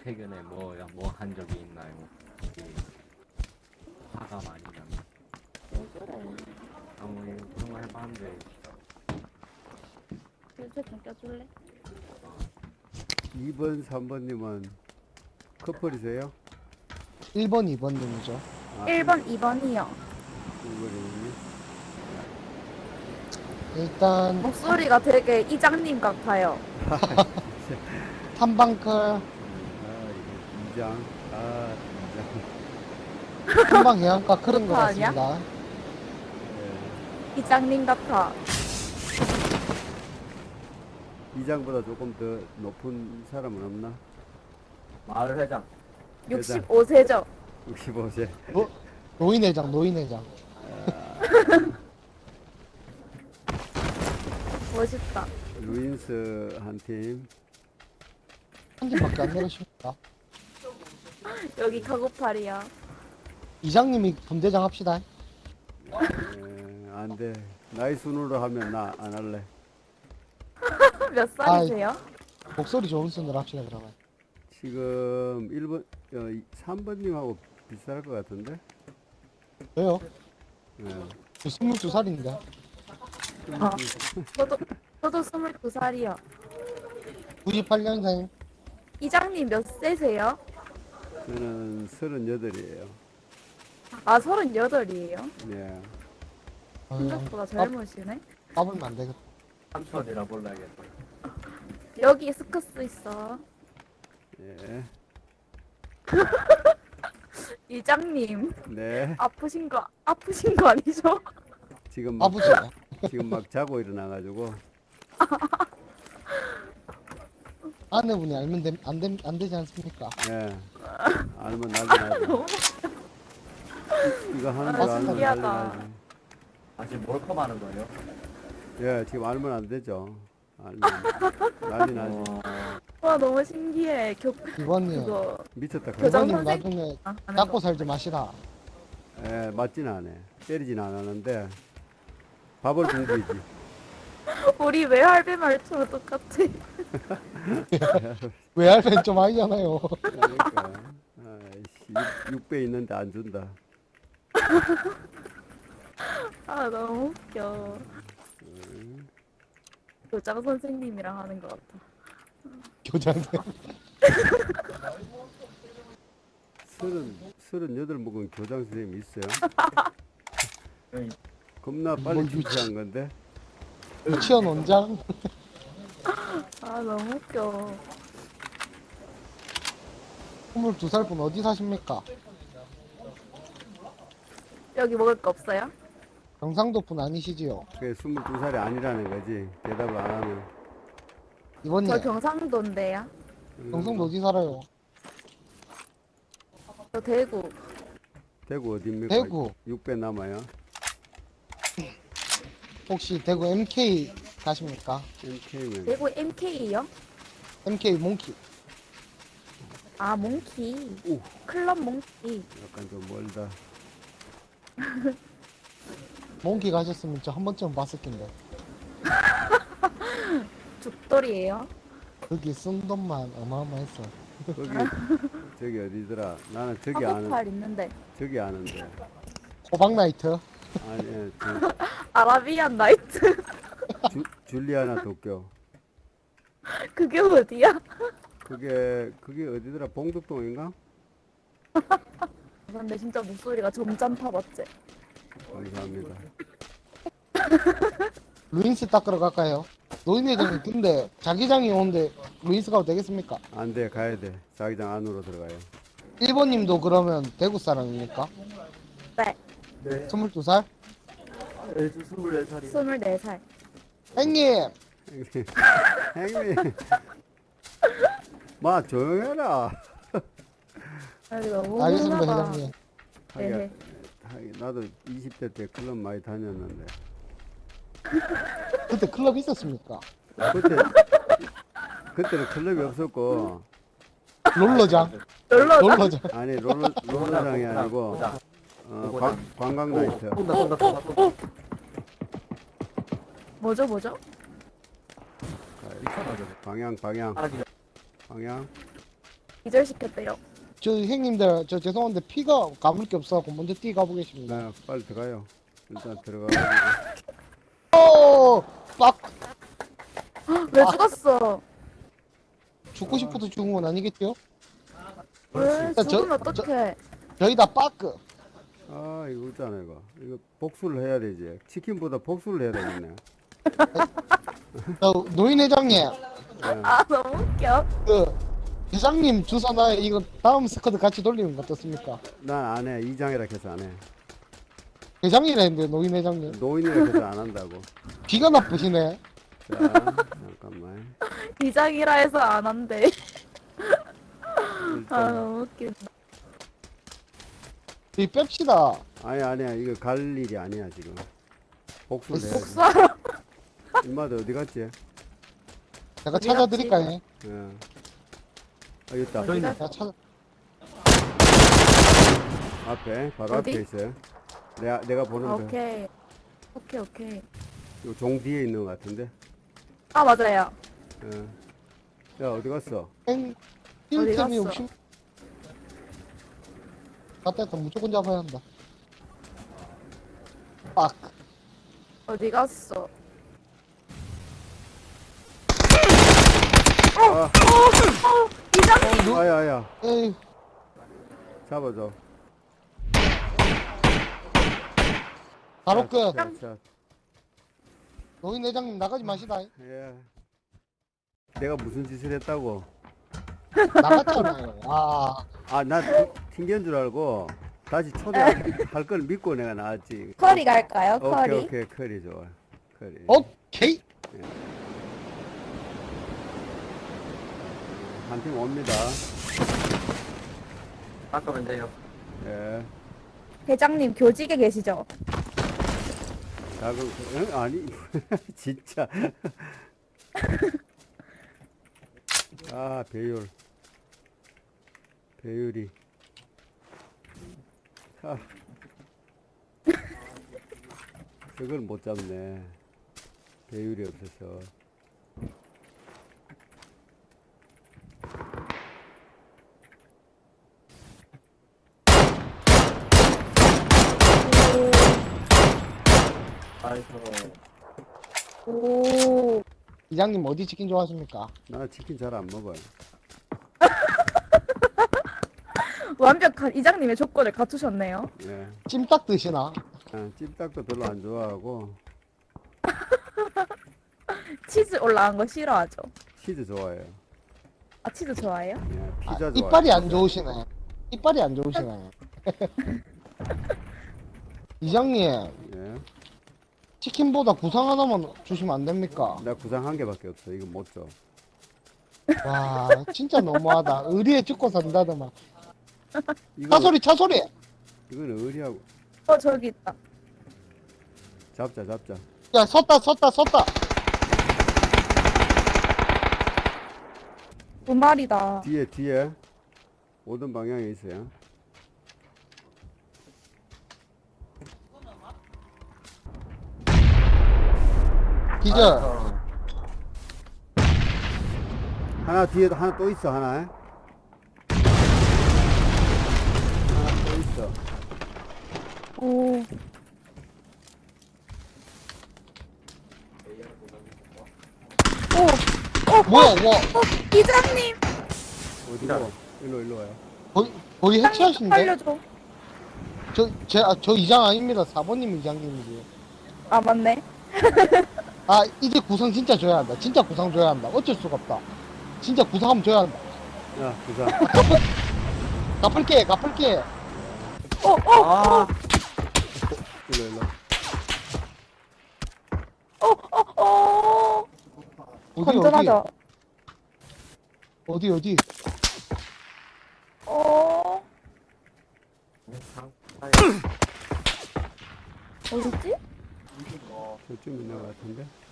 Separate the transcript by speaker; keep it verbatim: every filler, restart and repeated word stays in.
Speaker 1: 최근에 뭐야 뭐 한 적이 있나요? 혹시 화가 많이 나면
Speaker 2: 왜 그래?
Speaker 1: 아무 그런 거 해봤는데
Speaker 2: 실제 좀 껴줄래?
Speaker 3: 이 번, 삼 번님은 커플이세요?
Speaker 4: 일 번, 이 번님이죠.
Speaker 3: 아,
Speaker 2: 일 번, 이 번이요.
Speaker 3: 일 번이니?
Speaker 4: 일단
Speaker 2: 목소리가 되게 이장님 같아요.
Speaker 4: 탐방클
Speaker 3: 아, 이거 이장. 아, 이장.
Speaker 4: 탐방 해안가 그런 것
Speaker 2: 그렇다 아니야?
Speaker 4: 같습니다.
Speaker 3: 예.
Speaker 2: 이장님 같아.
Speaker 3: 이장보다 조금 더 높은 사람은 없나?
Speaker 1: 마을 회장
Speaker 2: 육십오 세죠.
Speaker 3: 육십오 세.
Speaker 4: 노, 노인회장, 노인회장.
Speaker 2: 멋있다.
Speaker 3: 루인스 한 팀.
Speaker 4: 한 팀밖에 안 내려십니까?
Speaker 2: 여기 카고팔이야.
Speaker 4: 이장님이 분대장 합시다.
Speaker 3: 예, 안 돼. 나이 순으로 하면 나 안 할래.
Speaker 2: 몇 살이세요?
Speaker 4: 목소리 좋은 순으로 합시다, 그러면.
Speaker 3: 지금 일 번, 어, 삼 번님하고 비슷할 것 같은데?
Speaker 4: 왜요?
Speaker 3: 예.
Speaker 4: 저 스물두 살인데.
Speaker 2: 어. 저도 저도 스물두 살이요.
Speaker 4: 구십팔 년생.
Speaker 2: 이장님 몇 세세요?
Speaker 3: 저는 서른여덟이에요.
Speaker 2: 아 서른여덟이에요.
Speaker 3: 예.
Speaker 2: 생각보다 젊으시네.
Speaker 4: 까불면 안 되겠다.
Speaker 1: 삼촌이라 불러야겠다.
Speaker 2: 여기 스커스 있어.
Speaker 3: 예.
Speaker 2: 이장님
Speaker 3: 네.
Speaker 2: 아프신 거 아프신 거 아니죠?
Speaker 3: 지금 막,
Speaker 4: 아버지.
Speaker 3: 지금 막 자고 일어나가지고.
Speaker 4: 아내분이 알면 됨- 안, 됨- 안 되지 않습니까?
Speaker 3: 예. 알면 난리 나죠. 이거 하는 거
Speaker 4: 아,
Speaker 3: 알면 난리
Speaker 2: 신기하다.
Speaker 3: 나지.
Speaker 1: 아 지금 몰컴 하는 거예요?
Speaker 3: 예, 지금 알면 안 되죠. 알면 난리 나지.
Speaker 1: 어,
Speaker 2: 와 너무 신기해. 교
Speaker 4: 이번님,
Speaker 2: 그거
Speaker 3: 미쳤다. 그거.
Speaker 2: 교장
Speaker 4: 이번님
Speaker 2: 선생-
Speaker 4: 나중에
Speaker 2: 아, 하는
Speaker 4: 닦고
Speaker 2: 거.
Speaker 4: 살지 마시라.
Speaker 3: 예, 맞진 않아. 때리진 않았는데 밥을 공부이지.
Speaker 2: 우리 외할배 말투로 똑같아.
Speaker 4: 외할배는 좀 아니잖아요.
Speaker 3: 그러니까 아이씨, 육 배 있는데 안 준다.
Speaker 2: 아 너무 웃겨. 교장 선생님이랑 하는 것 같아.
Speaker 4: 교장님.
Speaker 3: 서른 서른여덟 먹은 교장 선생님 있어요?
Speaker 1: 응.
Speaker 3: 겁나 빨리
Speaker 4: 뭘
Speaker 3: 출세한 건데.
Speaker 4: 유치원 원장.
Speaker 2: 아 너무 웃겨.
Speaker 4: 스물두 살 분 어디 사십니까?
Speaker 2: 여기 먹을 거 없어요?
Speaker 4: 경상도 분 아니시지요?
Speaker 3: 그게 스물두 살이 아니라는 거지. 대답을 안 하면.
Speaker 4: 이번님,
Speaker 2: 저 경상도인데요.
Speaker 4: 경상도 어디 살아요?
Speaker 2: 저 대구.
Speaker 3: 대구 어디입니까?
Speaker 4: 대구.
Speaker 3: 육 배 남아요.
Speaker 4: 혹시 대구 엠케이 가십니까?
Speaker 3: 엠케이면
Speaker 2: 대구 엠케이요?
Speaker 4: 엠케이 몽키.
Speaker 2: 아 몽키.
Speaker 3: 오,
Speaker 2: 클럽 몽키.
Speaker 3: 약간 좀 멀다.
Speaker 4: 몽키 가셨으면 저 한 번쯤 봤을 텐데.
Speaker 2: 죽돌이에요.
Speaker 4: 거기 쓴 돈만 어마어마했어.
Speaker 3: 거기 저기 어디더라? 나는 저기 아는
Speaker 2: 카고팔 있는데.
Speaker 3: 저기 아는데.
Speaker 4: 호박 나이트.
Speaker 3: 아니, 예, 저,
Speaker 2: 아라비안 나이트.
Speaker 3: 주, 줄리아나 도쿄.
Speaker 2: 그게 어디야?
Speaker 3: 그게 그게 어디더라? 봉덕동인가?
Speaker 2: 근데 진짜 목소리가 점잖다 맞지?
Speaker 3: 감사합니다.
Speaker 4: 루인스 닦으러 갈까요? 노인회장님 근데 자기장이 오는데 루인스 가도 되겠습니까?
Speaker 3: 안 돼, 가야 돼. 자기장 안으로 들어가요.
Speaker 4: 일 번님도 그러면 대구 사람입니까?
Speaker 2: 네.
Speaker 1: 네.
Speaker 4: 스물두 살?
Speaker 1: 애주 스물네 살이.
Speaker 2: 스물네 살.
Speaker 4: 형님!
Speaker 3: 형님, 형님. 마 조용해라.
Speaker 2: 아, 너무
Speaker 4: 알겠습니다,
Speaker 2: 훈훈하다.
Speaker 4: 회장님.
Speaker 2: 네.
Speaker 3: 하긴, 하긴 나도 이십 대 때 클럽 많이 다녔는데
Speaker 4: 그때 클럽 있었습니까?
Speaker 3: 그때 그때는 클럽이 없었고
Speaker 4: 롤러장?
Speaker 2: 놀러 가.
Speaker 4: 롤러장.
Speaker 3: 아니 롤러 롤러장이 아니고
Speaker 1: 보자.
Speaker 3: 어, 관, 관광 나이트.
Speaker 1: 쏜다 쏜다 쏜다 쏜다.
Speaker 2: 뭐죠 뭐죠?
Speaker 3: 방향 방향
Speaker 1: 하기
Speaker 3: 방향
Speaker 2: 기절시켰대요.
Speaker 4: 저 형님들 저 죄송한데 피가 가볼 게 없어갖고 먼저 뛰 가보겠습니다.
Speaker 3: 나 빨리 들어가요. 일단 들어가가지고.
Speaker 4: 오! 빡!
Speaker 2: 왜 죽었어?
Speaker 4: 죽고 싶어서 죽은 건 아니겠죠?
Speaker 2: 왜
Speaker 4: 저-
Speaker 2: 죽으면
Speaker 4: 저-
Speaker 2: 어떡해?
Speaker 4: 저희 다 빠크.
Speaker 3: 아 이거 있잖아 이거. 이거 복수를 해야 되지. 치킨보다 복수를 해야 되겠네.
Speaker 4: 저 노인 회장님,
Speaker 3: 예.
Speaker 2: 아 너무 웃겨.
Speaker 4: 그 회장님 주소나 이거 다음 스쿼드 같이 돌리는 거 어떻습니까?
Speaker 3: 난 안 해. 이장이라 해서 안 해.
Speaker 4: 회장이라 했는데 노인 회장님.
Speaker 3: 노인이라 해서 안 한다고.
Speaker 4: 귀가 나쁘시네.
Speaker 3: 자 잠깐만.
Speaker 2: 이장이라 해서 안 한대. 아
Speaker 3: 일단
Speaker 2: 너무 웃긴다.
Speaker 4: 이 뺍시다.
Speaker 3: 아니 아니야 이거 갈 일이 아니야 지금. 복수를 해야지.
Speaker 2: 복수하러.
Speaker 3: 인마도 어디 갔지?
Speaker 4: 제가
Speaker 2: 어디
Speaker 4: 찾아드릴까요?
Speaker 3: 예. 아 있다.
Speaker 2: 어디 갔-
Speaker 4: 제가 찾아.
Speaker 3: 앞에 바로
Speaker 2: 어디?
Speaker 3: 앞에 있어요. 내가 내가
Speaker 2: 아,
Speaker 3: 보는 거.
Speaker 2: 오케이. 오케이 오케이.
Speaker 3: 종 뒤에 있는 것 같은데.
Speaker 2: 아 맞아요.
Speaker 3: 예. 야 어디 갔어?
Speaker 4: 행
Speaker 2: 어디
Speaker 4: 힐템이
Speaker 2: 갔어?
Speaker 4: 없이. 갔다 했다 무조건 잡아야 한다. 빡.
Speaker 2: 어디 갔어?
Speaker 3: 아,
Speaker 2: 이장님.
Speaker 3: 아야 아야.
Speaker 4: 에이.
Speaker 3: 잡아줘.
Speaker 4: 바로
Speaker 3: 자,
Speaker 4: 끝.
Speaker 3: 자, 자.
Speaker 4: 노인 회장님 나가지 마시다.
Speaker 3: 예. 내가 무슨 짓을 했다고?
Speaker 4: 나갔잖아요. 아.
Speaker 3: 아, 나 튕긴 줄 알고 다시 초대할 걸 믿고 내가 나왔지.
Speaker 2: 커리 갈까요?
Speaker 3: 오케이,
Speaker 2: 커리.
Speaker 3: 오케이, 커리 좋아. 커리.
Speaker 4: 오케이.
Speaker 3: 한 팀 옵니다.
Speaker 1: 바꾸면 돼요.
Speaker 3: 예.
Speaker 2: 회장님 교직에 계시죠?
Speaker 3: 자, 그럼, 응? 아니, 진짜. 아, 배율. 배율이. 아. 저걸 못 잡네. 배율이 없어서.
Speaker 1: 아이고.
Speaker 2: 오.
Speaker 4: 이장님 어디 치킨 좋아하십니까?
Speaker 3: 나 치킨 잘 안 먹어요.
Speaker 2: 완벽한 이장님의 조건을 갖추셨네요.
Speaker 3: 예.
Speaker 4: 찜닭 드시나?
Speaker 3: 아, 찜닭도 별로 안 좋아하고,
Speaker 2: 치즈 올라간 거 싫어하죠?
Speaker 3: 치즈 좋아해요.
Speaker 2: 아 치즈 좋아해요?
Speaker 3: 예,
Speaker 4: 아,
Speaker 3: 피자 좋아해요.
Speaker 4: 이빨이 안 좋으시네. 이빨이 안 좋으시네. 이장님
Speaker 3: 예.
Speaker 4: 치킨보다 구상 하나만 주시면 안 됩니까?
Speaker 3: 나 구상 한 개밖에 없어. 이거 못 줘.
Speaker 4: 와 진짜 너무하다. 의리에 죽고 산다더만.
Speaker 3: 이거,
Speaker 4: 차소리 차소리.
Speaker 3: 이거는 의리하고.
Speaker 2: 어 저기 있다.
Speaker 3: 잡자, 잡자.
Speaker 4: 야 섰다 섰다 섰다.
Speaker 2: 두 마리다.
Speaker 3: 뒤에, 뒤에. 오던 방향에 있어요.
Speaker 4: 기절.
Speaker 1: 아이고.
Speaker 3: 하나 뒤에도 하나 또 있어, 하나. 하나 또 있어.
Speaker 2: 오. 오.
Speaker 4: 뭐야 뭐
Speaker 2: 어 이장님.
Speaker 3: 어디로? 일로, 일로 와요.
Speaker 4: 거의 거의 해체하신데?
Speaker 2: 알려줘.
Speaker 4: 저제저 저 이장 아닙니다. 사 번님 이장님이지.
Speaker 2: 아 맞네.
Speaker 4: 아 이제 구상 진짜 줘야 한다. 진짜 구상 줘야 한다. 어쩔 수가 없다. 진짜 구상 한번 줘야 한다.
Speaker 3: 야, 구상.
Speaker 4: 갚을게 갚을게.
Speaker 2: 어 어.
Speaker 1: 아,
Speaker 3: 일로, 일로.
Speaker 2: 어, 어, 어.
Speaker 4: 어디
Speaker 2: 건전하죠?
Speaker 4: 어디 어디.
Speaker 2: 어.
Speaker 1: 상,
Speaker 2: 어딨지?
Speaker 3: 저쯤 있는 것 같은데.